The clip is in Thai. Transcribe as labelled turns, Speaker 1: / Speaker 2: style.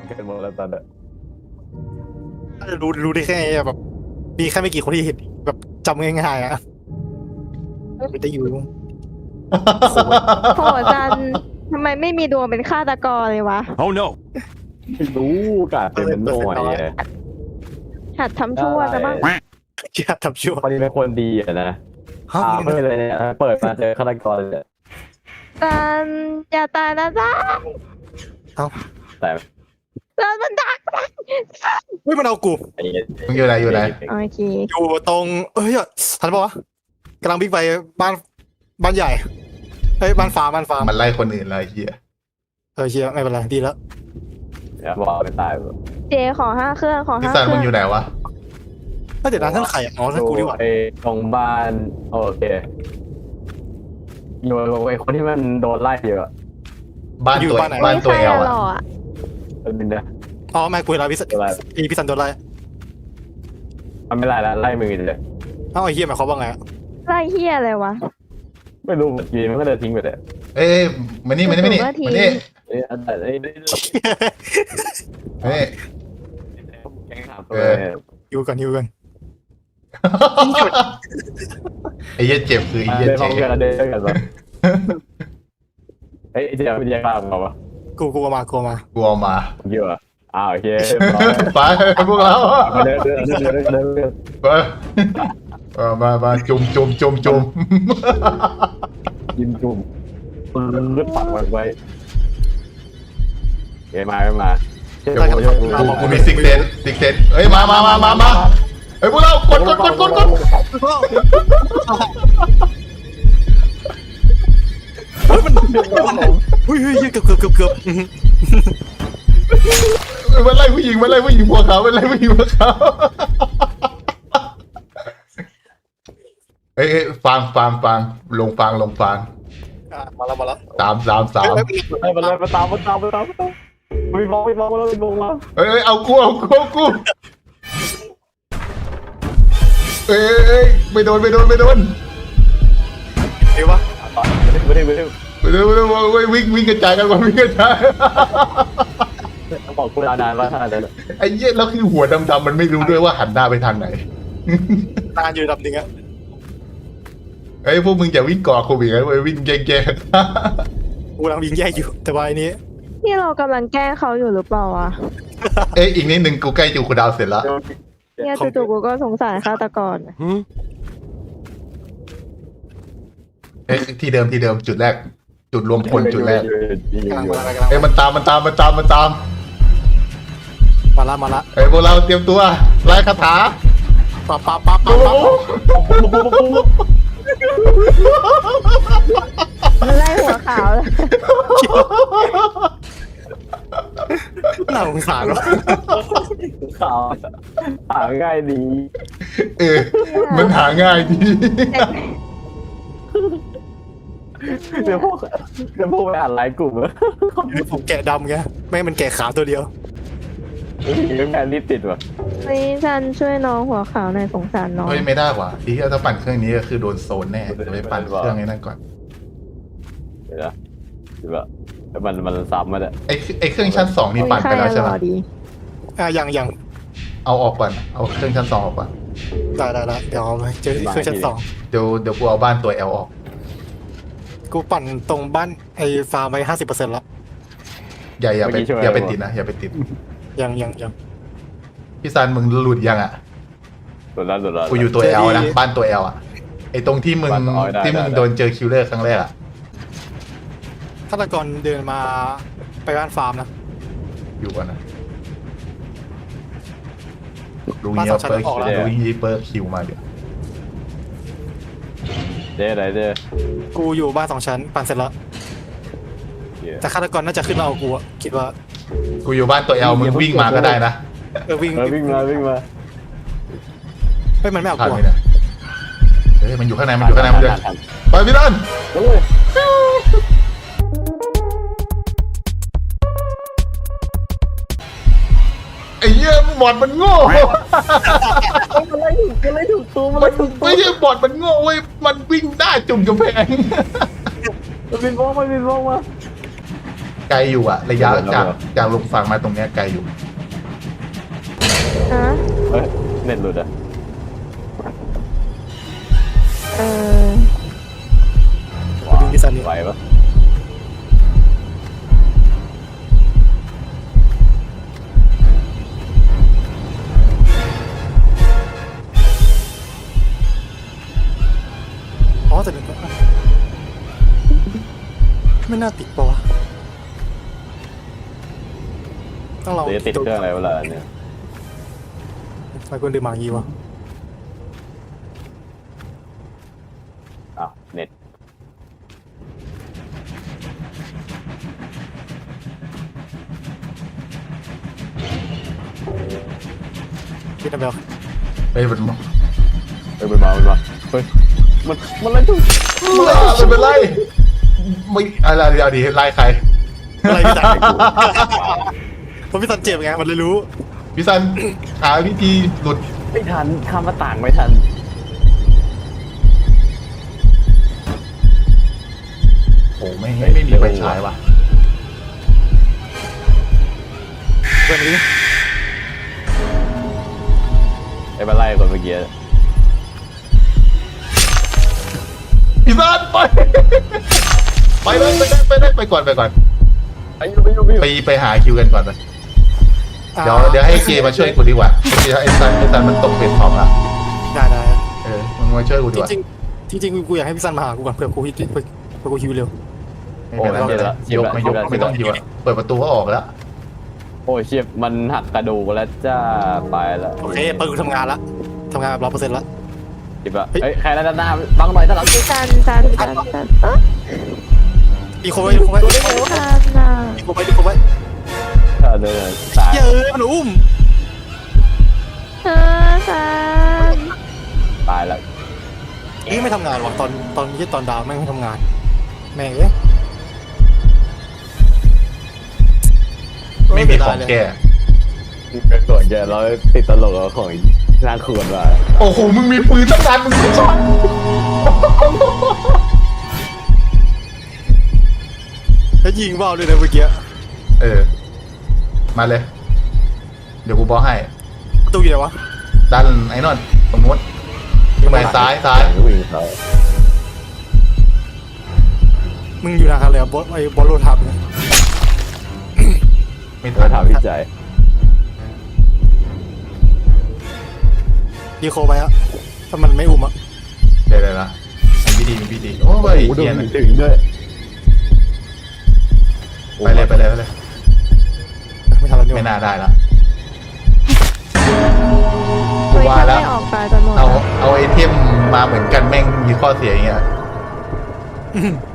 Speaker 1: กันหมดแล้วตอนนี้
Speaker 2: รู้ได้แค่แบบมีแค่ไม่กี่คนที่เห็นแบบจำง่ายๆอ่ะไม่ได้อยู่
Speaker 3: โหจันทำไมไม่มีดวงเป็นฆาตกรเลยวะ
Speaker 4: Oh no!
Speaker 1: ไม่รู้กาดเป็นหน่วย
Speaker 3: หัดทำชั่วจะบ้าง
Speaker 2: เชื่อทำชั่ว
Speaker 1: พอดีเป็นคนดีอะนะ
Speaker 2: ฮะ
Speaker 1: ไม่เลยเนี่ยเปิดมาเจอฆาตกรเลย
Speaker 3: จันอย่าตายนะจัน
Speaker 1: แต่
Speaker 3: จันมันดัก
Speaker 2: เฮ้ยมันเอากู
Speaker 1: ไอ้เงี้ย
Speaker 5: มึงอยู่ไหนอยู่ไหน
Speaker 3: โอเค
Speaker 2: อยู่ตรงทันปะวะกำลังวิ่งไปบ้านใหญ่เฮ้ยบ้านฟ้า
Speaker 5: มันไล่คนอื่นเลยไอ้เฮีย
Speaker 2: เชียไม่เป็นไรดีแล้ว
Speaker 1: บอกไปตาย
Speaker 3: เจขอ5 เครื่องขอ
Speaker 5: พี่
Speaker 3: 5
Speaker 5: ซัน
Speaker 3: เค
Speaker 5: มึ
Speaker 3: รื่อง ง
Speaker 5: อยู่ไหนวะ
Speaker 2: เดี๋ยวนะท่านไข่อ๋อท่านกูดีกว่า
Speaker 1: ไอ้ตรงบ้านโอเคอยู่ไอ้คนที่มันโดนไล่อยู่อะ
Speaker 5: บ้านตัว
Speaker 3: ไม่
Speaker 5: บ้านตัว
Speaker 3: ใช่
Speaker 5: แอล
Speaker 3: หร
Speaker 5: อ่ะ
Speaker 3: อ
Speaker 1: มันนะ
Speaker 2: อ๋อไม่กูเห็นแล้วพี่สันโดนไล่
Speaker 1: มันไม่ไล่แล้วไล่มือเลย
Speaker 2: เอ้าไอ้เหี้ยหมายความว่าไง
Speaker 3: ไล่เฮียอะไรวะ
Speaker 1: ไม่รู้ยีมันก็เดินทิ้งไปเลย
Speaker 5: เอ้ยมานี่มานี่มานี่
Speaker 3: ถูกว่าที
Speaker 5: มานี่
Speaker 1: ไอ้อันไหนไอ้
Speaker 5: มานี่
Speaker 1: แกงถามตัว
Speaker 2: อยู่กัน
Speaker 5: ไอ้เหี้ยเจ็บคือไอ้เหี้ย
Speaker 1: เดินพร้
Speaker 5: เจ็
Speaker 1: อม
Speaker 5: บ
Speaker 1: กันเดินกันปะเฮ้ยเดี๋ยววิทยากรมาปะ
Speaker 2: กูมาก
Speaker 5: กูเอามา
Speaker 1: เยอะอ้าวโอเค
Speaker 5: ไปพวกเรา
Speaker 1: เดิน
Speaker 5: ไปมาจุ่ม
Speaker 1: ยินจุ่มก็ปักไว้เฮ้ยมา
Speaker 5: กูมีซิกเซนเฮ้ยมาเฮ้ยพวกเรากด
Speaker 2: เฮ้ยเกือบ
Speaker 5: มันไล่ผู้หญิงหัวขาวมันไล่ผู้หญิงหัวขาวเอ้ยฟังลงฟัง
Speaker 2: มาแล้ว
Speaker 5: สาม
Speaker 1: ไปมาตามไม่มองแล้วไม่มองมา
Speaker 5: เอ้ยเอากูเอ้ยไม่โดน
Speaker 2: เดี๋ยววะ
Speaker 1: ไม่ได้
Speaker 5: วิ่งกระจายกันก่อนวิ่งกระจาย
Speaker 1: ต้องบอกคุณนานว่าท่านอะไร
Speaker 5: ไอ้เหี้ยแล้วคือหัวดำๆมันไม่รู้ด้วยว่าหันหน้าไปทางไหน
Speaker 2: นานอยู่ดับหนึ่งอะ
Speaker 5: ไอ้ยพวกมึงอย่าวิ่งก่อโควิดนะเว้ยวิ่งแย่
Speaker 2: กูกำลังยิงแย่อยู่แต่ว่าไอ้นี้
Speaker 3: ที่เรากำลังแกล้งเขาอยู่หรือเปล่าวะ
Speaker 5: ๆเอ้ยอีกนิดนึงกูใกล้จูคูดาวเสร็จแล้ว
Speaker 3: เนี่ยจู่ๆกูก็สงสารฆาตกร
Speaker 5: เอ้ยที่เดิมจุดแรก จุดรวมพลจุดแรก
Speaker 2: กำลัง
Speaker 5: เอ้ยมันตาม
Speaker 2: มาละ
Speaker 5: เอ้ยพวกเราเตรียมตัวไล่คาถา
Speaker 2: ปั๊บ
Speaker 3: มันไล่หัวขาวเลย
Speaker 2: น่าสงสารวะ
Speaker 1: ข่าวหาง่ายดี
Speaker 5: เออมันหาง่ายดี
Speaker 1: เดี๋ยวพวกไปอ่านไลน์กลุ่มแล้ว
Speaker 2: ผมแกะดำไงไม่มันแกะขาวตัวเดียว
Speaker 1: ยังแมนรีบติดว่ะ
Speaker 3: นี่ฉันช่วยน้องหัวขาวหน่อยสงสารน้อง
Speaker 5: เฮ้ยไม่ได้ว่ะที่ถ้าปั่นเครื่องนี้ก็คือโดนโซนแน่เดี๋ยวไปปั่นเครื่องนี้นั่นก่อน
Speaker 1: เดี๋ยวแบบมันซ้ำมาเลย
Speaker 5: ไอ้เครื่องชั้น 2นี่ปั่นไปแล้วใช่ไหม
Speaker 3: หล่อดี
Speaker 2: ยัง
Speaker 5: เอาออกก่อนเอาเครื่องชั้น 2ออกก่อน
Speaker 2: ได้เดี๋ยวเอาไปเจอเครื่องชั้น 2
Speaker 5: เดี๋ยวกูเอาบ้านตัว L ออก
Speaker 2: กูปั่นตรงบ้านไอ้ฟาร์มไป50%แล้ว
Speaker 5: อย่าไปติดนะอย่าไปติด
Speaker 2: ยัง
Speaker 5: พี่ซันมึงหลุดยังอ่ะ
Speaker 1: หลุดแล้ว
Speaker 5: กูอยู่ตัว L นะบ้านตัว L อ่ะไอ้ตรงที่มึงโดนเจอคิลเลอร์ครั้งแรกอ่ะ
Speaker 2: ฆาตกรเดินมาไปบ้านฟาร์มนะ
Speaker 5: อยู่ก่อนนะลุงเงี้ยเปิดคิวมาเดี๋ยว
Speaker 1: เจ๊ไหนเจ๊
Speaker 2: กูอยู่บ้าน2 ชั้นปั่นเสร็จแล้วแต่ฆาตกรน่าจะขึ้นมาเอากูอะคิดว่า
Speaker 5: กูอยู่บ้านตัว L มึงวิ่งมาก็ได้นะ
Speaker 2: วิ่ง
Speaker 1: วิ่งมา
Speaker 2: ไม่มันไม่เอา
Speaker 5: ผ่าน
Speaker 2: กู
Speaker 5: ไปนะเฮ้ยมันอยู่ข้างในมันเดินไปพี่ตันไอ้เหี้ยบอดมันโง่ไม่ใช่บอดมันโง่เว้ยมันวิ่งได้จุ่มกำแพง
Speaker 1: มันบินว่องมา
Speaker 5: ไกลอยู่อะระยะจากลงฝั่งมาตรงเนี้ยไกลอยู่
Speaker 3: ฮะ
Speaker 1: เฮ้ยเน็ตหลุดอ่ะ
Speaker 3: เออ
Speaker 2: ดึงพี่ซันนี่
Speaker 1: ไหวปะ
Speaker 2: อ๋อแต่เดี๋ยวไม่น่าติดปะวะต้องลอง
Speaker 1: เดี๋ยวติดเครื่องอะไรเวลาเนี่ย
Speaker 2: ไฟคนดื่มหมางี้วะ
Speaker 1: อ้าวเน็ต
Speaker 2: พี่ทำไปแล้ว
Speaker 5: เฮ้ยมัน
Speaker 1: เฮ้ยมันมาเฮ้ยมันอะไรจุ๊บ
Speaker 5: มันเป็นไรไม่อะไรเดี๋ยวดิไล่ใคร
Speaker 2: อะไรพี่ซันเพราะพี่ซันเจ็บไงมันเลยรู้
Speaker 5: พี่ซันหาวิธีหลุด
Speaker 1: ไม่ทันข้ามหน้าต่างไม่ทัน
Speaker 5: โอ้ไม่มีไฟฉายว่ะ
Speaker 2: เพื่อนนี้
Speaker 1: ไอ้มาไล่คนเมื่อกี้
Speaker 5: พี่ซันไปเลยไปก่อน
Speaker 1: ไอ้ยูไป
Speaker 5: ไปหาคิวกันก่อนไปเดี๋ยวให้เจมาช่วยกูดีกว่าไอ้ซันมันตกเป็นของละ
Speaker 2: ได้
Speaker 5: มึงมาช่วยกูดีกว่า
Speaker 2: จริงกูอยากให้พี่ซันมาหากูก่อนเผื่อกูฮิวเร็ว
Speaker 5: ไม่เป็นไรไม่ต้องฮิวอะเปิดประตูก็ออกแล้ว
Speaker 1: โอ้ยเชียบมันหักกระดูกแล้วจ้าไปแล้ว
Speaker 2: โอเคเปิดกูทำงานละทำงานแบบ100%ละ
Speaker 1: จิบอะเฮ้ยใครแล้วด้านหน้าบังหน่อยด้านหลัง
Speaker 3: จันเออ
Speaker 2: อีโคไว้
Speaker 3: จันอ่ะ
Speaker 2: อีโคไว้
Speaker 1: เดินตาย
Speaker 2: เย้ยมันอุ้ม
Speaker 3: จัน
Speaker 1: ตายแล้ว
Speaker 2: นี่ไม่ทำงานวะตอนดาวแม่งไม่ทำงานแม่งเอ้ย
Speaker 5: ไม่มีของแก้
Speaker 1: เป็นส่วนแกเราติดตลกเอาของน่าขวนมา
Speaker 5: โอ้โหมึงมีปืนตั้งนานมึงไม่ชอบ
Speaker 2: แล้วยิงเบาเลยนะเมื่อกี้
Speaker 5: มาเลย เดี๋ยวกูบอกให้
Speaker 2: ตู้อยู่ไหนวะ
Speaker 5: ดันไอ้นนตรงนู้นไปซ้าย
Speaker 1: วิ่งเขา
Speaker 2: มึงอยู่นะครับเลยบอไอ้บอลโลทับเนี่ย
Speaker 5: ไม่
Speaker 1: มา
Speaker 5: ทัน
Speaker 1: ถามพี่ใจ
Speaker 2: ดีโคไปอะถ้ามันไม่อุ้มอะ
Speaker 5: เดี๋ยวนะมีพี่ดีโอ้ยเกียน
Speaker 1: ถึงด้วย
Speaker 5: ไปเลย
Speaker 2: ไม่ทำแล้วเนี่ย
Speaker 5: ไม่น่าได้ละ
Speaker 3: เฮ้ยถ้าไม่ออกไปจะหมด
Speaker 5: เอาไอเทมมาเหมือนกันแม่งมีข้อเสียอย่างเงี้ย
Speaker 2: อืม